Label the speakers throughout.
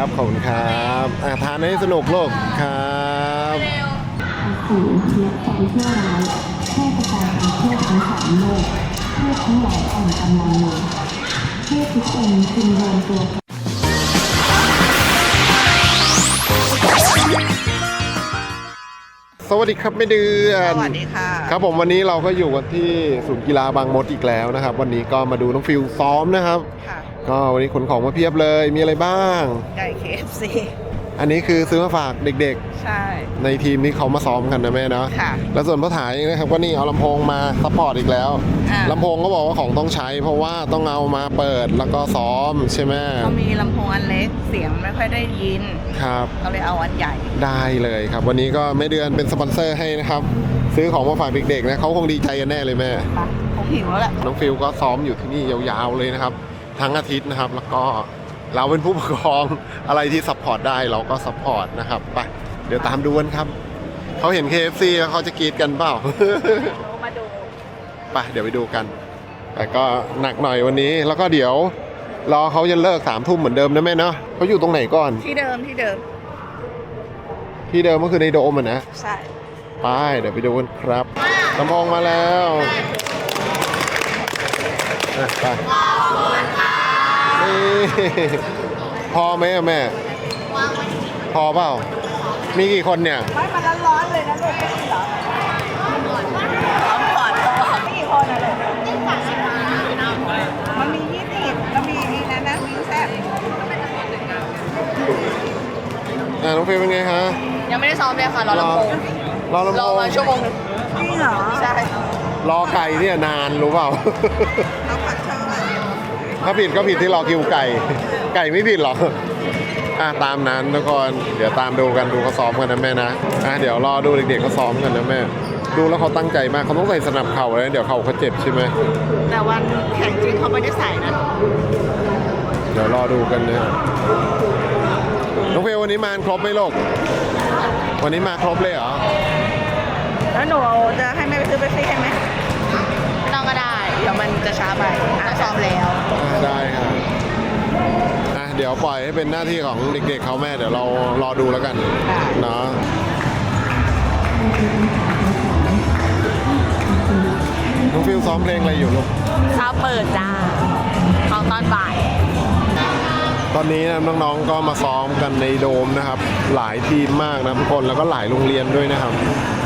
Speaker 1: ครับขอบคุณครับทานให้สนุกโลกครับ
Speaker 2: สู่และความชั่วร้ายแพร่กระจายไปทั่วทั้งสามโลกเทพทั้งหลายอ่อนกำลังลงเทพทุกองค์จึงรวมตัว
Speaker 1: สวัสดีครับแม่เดือน
Speaker 3: สวัสดีค่ะ
Speaker 1: ครับผมวันนี้เราก็อยู่กันที่ศูนย์กีฬาบางมดอีกแล้วนะครับวันนี้ก็มาดูน้องฟิลซ้อมนะครับก็วันนี้ขนของมาเพียบเลยมีอะไรบ้าง
Speaker 3: ไก่ KFC
Speaker 1: อันนี้คือซื้อมาฝากเด็ก
Speaker 3: ๆใช่
Speaker 1: ในทีมนี้เขามาซ้อมกันนะแม่เนาะแล้วส่วนพ่อถ่ายนะครับก็นี่เอาลำโพงมาซัพพอร์ตอีกแล้วลำโพงก็บอกว่าของต้องใช้เพราะว่าต้องเอามาเปิดแล้วก็ซ้อมใช่ไหม
Speaker 3: เขามีลำโพงอันเล็กเสียงไม่ค่อยได้ยิน
Speaker 1: ครับ
Speaker 3: เขาเลยเอาอันใหญ่
Speaker 1: ได้เลยครับวันนี้ก็แม่เดือนเป็นสปอนเซอร์ให้นะครับซื้อของมาฝากเด็กๆนะเขาคงดีใจกันแน่เลยแม่
Speaker 3: คงหิวแล้วแหละ
Speaker 1: น้องฟิลก็ซ้อมอยู่ที่นี่ยาวๆเลยนะครับทั้งอาทิตย์นะครับแล้วก็เราเป็นผู้ปกครองอะไรที่ซัพพอร์ตได้เราก็ซัพพอร์ตนะครับไปเดี๋ยวตามดูกันครับเขาเห็น KFC แล้วเขาจะกรี๊ดกันเปล่า
Speaker 3: มาดู
Speaker 1: ไปเดี๋ยวไปดูกันแต่ก็หนักหน่อยวันนี้แล้วก็เดี๋ยวรอเขาจะเลิก3 ทุ่มเหมือนเดิมนะแม่เนาะเขาอยู่ตรงไหนก่อน
Speaker 3: ที่เดิมที่เ
Speaker 1: ดิมก็คือในโดมนะ
Speaker 3: ใช่
Speaker 1: ไปเดี๋ยวไปดูกันครับลำโพงมาแล้วไปพอไหมอะแม่พอเปล่ามีกี่คนเนี่ย
Speaker 3: ไม่มันร้อนๆเลยนะลูกไม่ใช่เหรอร้อนก่อนมีกี่คนอะลูกมันมี20แล้วมีนี่นะมีแซ่บ
Speaker 1: น้องเฟย์เป็นไงคะ
Speaker 3: ยังไม่ได้ซ้อมเลยค่ะรอลำโพงรอมาชั่วโมงนึงจริงเหรอใช่
Speaker 1: รอไก่เนี่ยนานรู้เปล่า
Speaker 3: เอาผัดเชอร์
Speaker 1: ถ้าผิดก็ผิดที่รอคิวไก่ไม่ผิดหรอกตามนั้นทุกคนเดี๋ยวตามดูกันดูเขาซ้อมกันนะแม่นะเดี๋ยวรอดูเด็กๆเขาซ้อมกันนะแม่ดูแล้วเขาตั้งใจมากเขาต้องใส่สนับเข่าเลยเดี๋ยวเข่าเขาเจ็บใช่ไหม
Speaker 3: แต่วันแข่งจริงเขาไม่ได้ใส่นะ
Speaker 1: เดี๋ยวรอดูกันนะน้องเฟลวันนี้มาครบไหมลูกวันนี้มาครบเลยเหรอ
Speaker 3: แล้วหนูจะให้แม่ไปซื้อเบปซี่ให้ไหมไม่ต้องก็ได้เดี๋ยวมันจะช้าไปซ้อมแล้ว
Speaker 1: ได้ค่ะเดี๋ยวปล่อยให้เป็นหน้าที่ของเด็กๆเขาแม่เดี๋ยวเรารอดูแล้วกันเนาะน้องฟิลซ้อมเพลงอะไรอยู่ลูก
Speaker 3: ซ้อมเปิดจ้าของตอนบ่าย
Speaker 1: ตอนนี้น้องๆก็มาซ้อมกันในโดมนะครับหลายทีมมากนะทุกคนแล้วก็หลายโรงเรียนด้วยนะครับ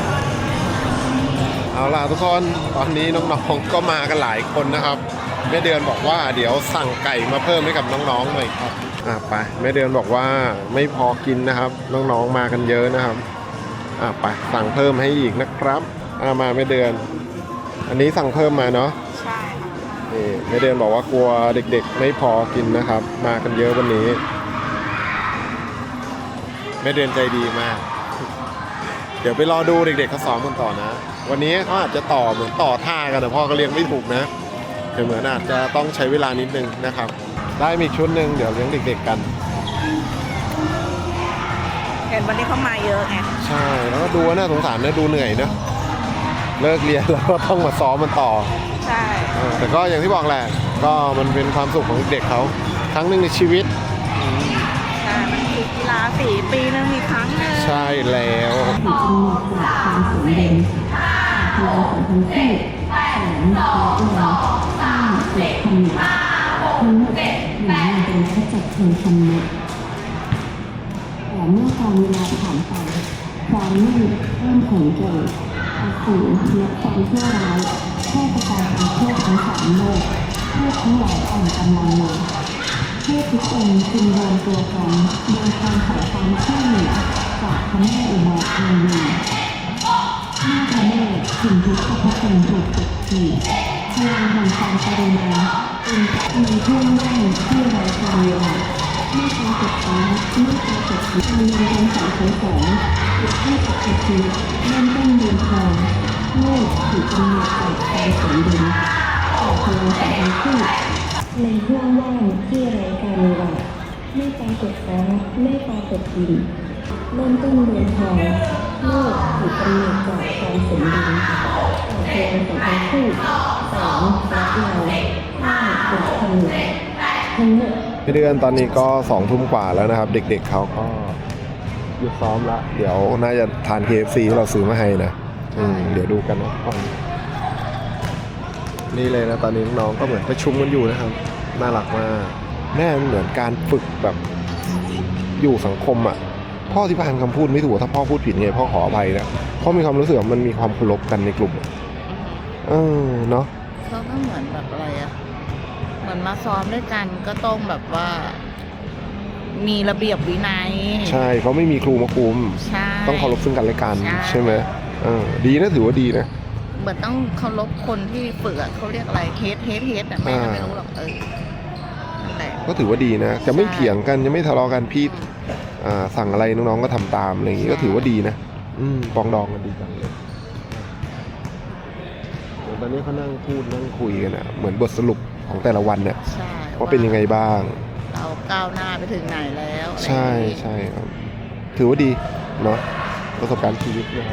Speaker 1: เอาล่ะทุกคนตอนนี้น้องๆก็มากันหลายคนนะครับแม่เดือนบอกว่าเดี๋ยวสั่งไก่มาเพิ่มให้กับน้องๆหน่อยครับไปแม่เดือนบอกว่าไม่พอกินนะครับน้องๆมากันเยอะนะครับไปสั่งเพิ่มให้อีกนะครับมาแม่เดือนอันนี้สั่งเพิ่มมาเนาะ
Speaker 3: ใช่
Speaker 1: นี่แม่เดือนบอกว่ากลัวเด็กๆไม่พอกินนะครับมากันเยอะวันนี้แม่เดือนใจดีมากเดี๋ยวไปรอดูเด็กๆเขาซ้อมกันต่อนะวันนี้เขาอาจจะเหมือนต่อท่ากันแต่พ่อก็เลี้ยงไม่ถูกนะเหมือนอาจจะต้องใช้เวลานิดนึงนะครับได้มีชุดหนึ่งเดี๋ยวเลี้ยงเด็กๆกัน
Speaker 3: เห็นวันนี้เขามาเยอะไง
Speaker 1: ใช่แล้วก็ดูน่าสงสารนะดูเหนื่อยนะเลิกเรียนแล้วก็ต้องมาซ้อมมันต่อ
Speaker 3: ใช่
Speaker 1: แต่ก็อย่างที่บอกแหละก็มันเป็นความสุขของเด็กเขาครั้งหนึ่งในชีวิต
Speaker 3: ใช่มันคือกีฬา4 ปีนึงมีครั้งนึง
Speaker 1: ใช่แล้ว
Speaker 2: ความสมดุลพลังของทั้งคู่แสงและเวลาทั้งหมดหนึ่งเป็นแค่จัดเพลงคำนึกแต่เมื่อการเวลาผ่านไปความมืดเริ่มแข็งแกร่งอสูรและความชั่วร้ายแพร่กระจายไปทั่วทั้ง3โลกเทพทั้งหลายอ่อนกำลังลงเทพทุกองค์จึงรวมตัวกันโดยการขอความช่วยเหลือจากพระแม่อุมาเทวีเมื่อพระแม่ถึงทุกขพจน์ถูกกดขี่พลังแห่งความกรุณาเป็นในช่วงแรกที่ไร้การเวลาไม่ปรากฏฟ้าไม่ปรากฏดินในวันสองที่ปกติเริ่มต้นเดินทางโลกถูกกำหนดจากความสมดุลต่อพลังของทั้งคู่ในช่วงว่างที่ไร้การเวลาไม่ปรากฏฟ้าไม่ปรากฏดินเริ่มต้นเดินทางโลกถูกกำหนดจากความสมดุลต่อพลังของทั้งคู่แสงและเงา5เป็นผนึกทั้งหมด
Speaker 1: พี่เดือนตอนนี้ก็2 ทุ่มกว่าแล้วนะครับ เด็กๆเขาก็หยุดซ้อมละเดี๋ยวน่าจะทาน KFC ที่เราซื้อมาให้นะเดี๋ยวดูกันนะนี่เลยนะตอนนี้น้องๆก็เหมือนประชุมกันอยู่นะครับน่ารักมากแม่มันเหมือนการฝึกแบบอยู่สังคมอ่ะพ่อที่พานคำพูดไม่ถูกถ้าพ่อพูดผิดไงพ่อขออภัยนะพ่อมีความรู้สึกว่ามันมีความเคารพกันในกลุ่มเนาะ
Speaker 3: เขาก็เหมือนแบบอะไรอะเหมือนมาซ้อมด้วยกันก็ต้องแบบว่า มีระเบียบวินัย
Speaker 1: ใช่เขาไม่มีครูมาคุม
Speaker 3: ใช่
Speaker 1: ต้องเคารพซึ่งกันและกัน
Speaker 3: ใช่
Speaker 1: ใช่ไหมดีนะถือว่าดีนะ
Speaker 3: เหมือนต้องเคารพคนที่ฝึกอะเขาเรียกอะไรเฮดอะแม่ก็ไม่รู้หรอกนั่นแหละ
Speaker 1: ก็ถือว่าดีนะ จะไม่
Speaker 3: ใช่
Speaker 1: เถียงกันจะไม่ทะเลาะกันพี่สั่งอะไรน้องๆก็ทำตามอะไรอย่างงี้ก็ถือว่าดีนะปองดองกันดีจังเลยเดี๋ยวตอนนี้เขานั่งพูดนั่งคุยกันนะเหมือนบทสรุปของแต่ละวันเนี่ย
Speaker 3: ใช่
Speaker 1: ว่าเป็นยังไงบ้าง
Speaker 3: เราก้าวหน้าไปถึงไหนแล้วอะไร
Speaker 1: ใช่
Speaker 3: อย่างงี้
Speaker 1: ใช่ครับ ถือว่าดีเนาะประสบการณ์ชีวิตนะครับ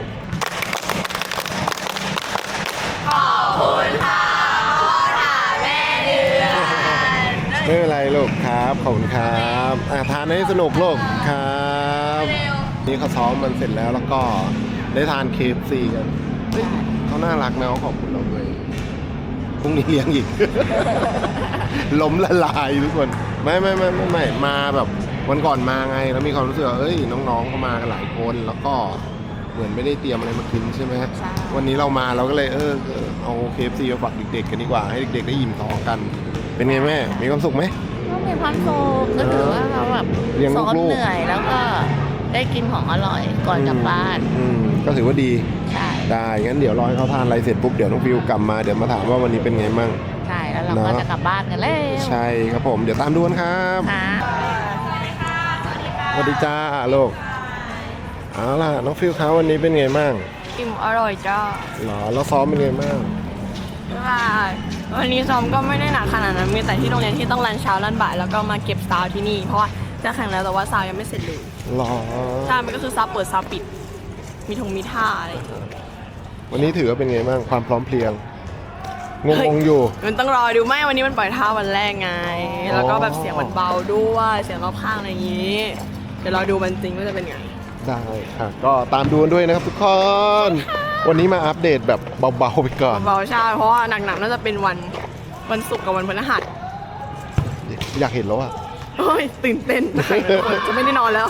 Speaker 1: ไม่เป็นไรลูกครับขอบคุณครับทานให้สนุกลูกครับนี่เขาซ้อมมันเสร็จแล้วแล้วก็ได้ทาน KFC กันเฮ้ยเขาน่ารักนะเขาขอบคุณเราด้วยพรุ่งนี้เลี้ยงอีก ล้มละลายทุกคนไม่มาแบบวันก่อนมาไงแล้วมีความรู้สึกว่าเอ้ยน้องๆเขามากันหลายคนแล้วก็เหมือนไม่ได้เตรียมอะไรมากินใช่ไหมฮะ
Speaker 3: ใช่
Speaker 1: วันนี้เรามาเราก็เลยเอา KFC มาฝากเด็กๆกันดีกว่าให้เด็กๆได้อิ่มท้องกัน เป็นไงแม่มีความสุขไหม
Speaker 3: ก็มีความสุขก็ถือว่าเราแบบ
Speaker 1: เลี้ยง
Speaker 3: ซ้อม
Speaker 1: ลูกๆ
Speaker 3: เหนื่อยแล้วก็ได้กินของอร่อยก่อนกลับบ้าน
Speaker 1: ก็ถือว่าดี
Speaker 3: ใช่
Speaker 1: ได้งั้นเดี๋ยวรอให้เขาทานอะไรเสร็จปุ๊บเดี๋ยวน้องฟิวกลับมาเดี๋ยวมาถามว่าวันนี้เป็นไงมั่ง
Speaker 3: ใช่แล้วเราก็
Speaker 1: เนอะ
Speaker 3: จะกลับบ้านกันแล้ว
Speaker 1: ใช่ครับผมเดี๋ยวตามดูกันครับ
Speaker 3: ค่ะ
Speaker 1: สวัสดีจ้าลูกเอาล่ะน้องฟิวครับวันนี้เป็นไงมั่ง
Speaker 4: อิ่มอร่อยจ้า
Speaker 1: หรอแล้วซ้อมเป็นไงมั่ง
Speaker 4: ว่าวันนี้ซ้อมก็ไม่ได้หนักขนาดนั้น มีแต่ที่โรงเรียนที่ต้องรันเช้ารันบ่ายแล้วก็มาเก็บซาวที่นี่ เพราะว่าจะแข่งแล้วแต่ว่าซาวยังไม่เสร็จเลย
Speaker 1: หรอ
Speaker 4: ใช่ มันก็คือซาวเปิดซาวปิด มีท่าอะไรอย่างเงี้ย
Speaker 1: วันนี้ถือว่าเป็นไงมั่งความพร้อมเพรียงงงๆอยู่
Speaker 4: มันต้องรอดูไม่วันนี้มันปล่อยท่าวันแรกไง แล้วก็แบบเสียงมันเบาด้วยเสียงรอบข้างอะไรอย่างงี้ เดี๋ยวรอดูมันจริงว่าจะเป็นไง
Speaker 1: ได้ค่ะก็ตามดูกันด้วยนะครับทุกคนวันนี้มาอัปเดตแบบเบาๆไปก่อน
Speaker 4: เบาๆใช่เพราะว่าหนักๆน่าจะเป็นวันศุกร์กับวันพฤหัส
Speaker 1: อยากเห็นแล้วอ่ะ
Speaker 4: โอ้ยตื่นเต้นจะไม่ได้นอนแล้ว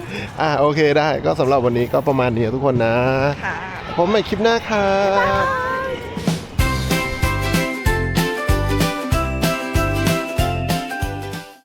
Speaker 1: โอเคได้ก็สำหรับวันนี้ก็ประมาณนี้ทุกคนนะ
Speaker 3: ค่ะ
Speaker 1: ผมใหม่คลิปหน้าครับ